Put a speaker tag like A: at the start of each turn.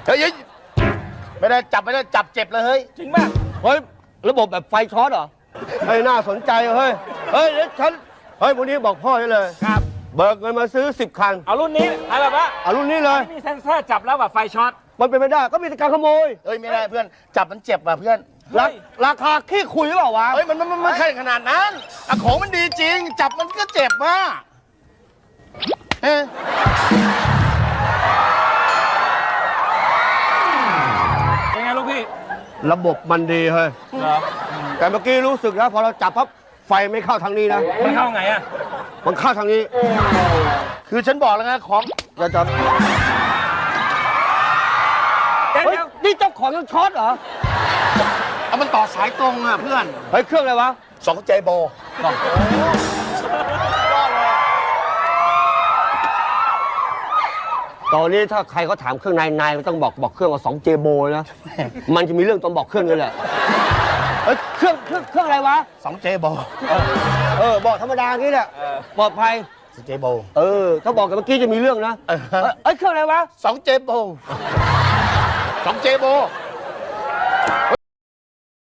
A: เฮ้ยไม่ได้จับเจ็บเลยเฮ้ย
B: จริงป่ะ
C: เฮ้ยระบบแบบไฟช็อตเหรอเฮ้ยน่าสนใจเฮ้ยเดี๋ยวฉันวันนี้บอกพ่อได้เลย
B: ครับ
C: เบิกเงินมาซื้อ10 คัน
B: เอารุ่นนี้อะไรแบบว่า
C: เอารุ่นนี้เลย
B: ไม่มีเซ็นเซอร์จับแล้วแบบไฟช็อต
C: มันเป็นไม่ได้ก็มีแต่การขโมย
A: เฮ้ยไม่ได้เพื่อนจับมันเจ็บว่ะเพื่อน
B: เฮ้ย
C: ราคาขี้คุยหรือเปล่าวะ
A: เฮ้ยมันไม่ใช่ขนาดนั้นอะของมันดีจริง จับมันก็เจ็บว่ะเอ๊ะ
B: เป็นไงลูกพี่
C: ระบบมันดีเฮ้ย
B: เหรอ
C: แต่เมื่อกี้รู้สึกนะพอเราจับปั๊บไฟไม่เข้าทางนี้นะ
B: มันเข้าไงอ่ะ
C: มันเข้าทางนี้
A: คือฉันบอกแล้วไงของ
C: จะจับ
B: เดี๋ยว
C: เฮ้ยนี่เจ้าของยังช็อตเหรอ
A: เอามันต่อสายตรงอ่ะเพื่อน
C: เฮ้ยเครื่องอะไรวะ
A: 2 เจโบ
C: ตอนนี้ถ้าใครเขาถามเครื่องในมันต้องบอกเครื่องว่า2 เจโบนะ มันจะมีเรื่องตอนบอกเครื่องนี่แหละเฮ้ยเครื่องอะไรวะ
A: 2 เจโบ
C: บอกธรรมดาอย่างนี้แหละปลอดภัย
A: 2 เจโบ
C: ถ้าบอกกันเมื่อกี้จะมีเรื่องนะเครื่องอะไรวะ
A: 2 เจโบ 2 เจโบ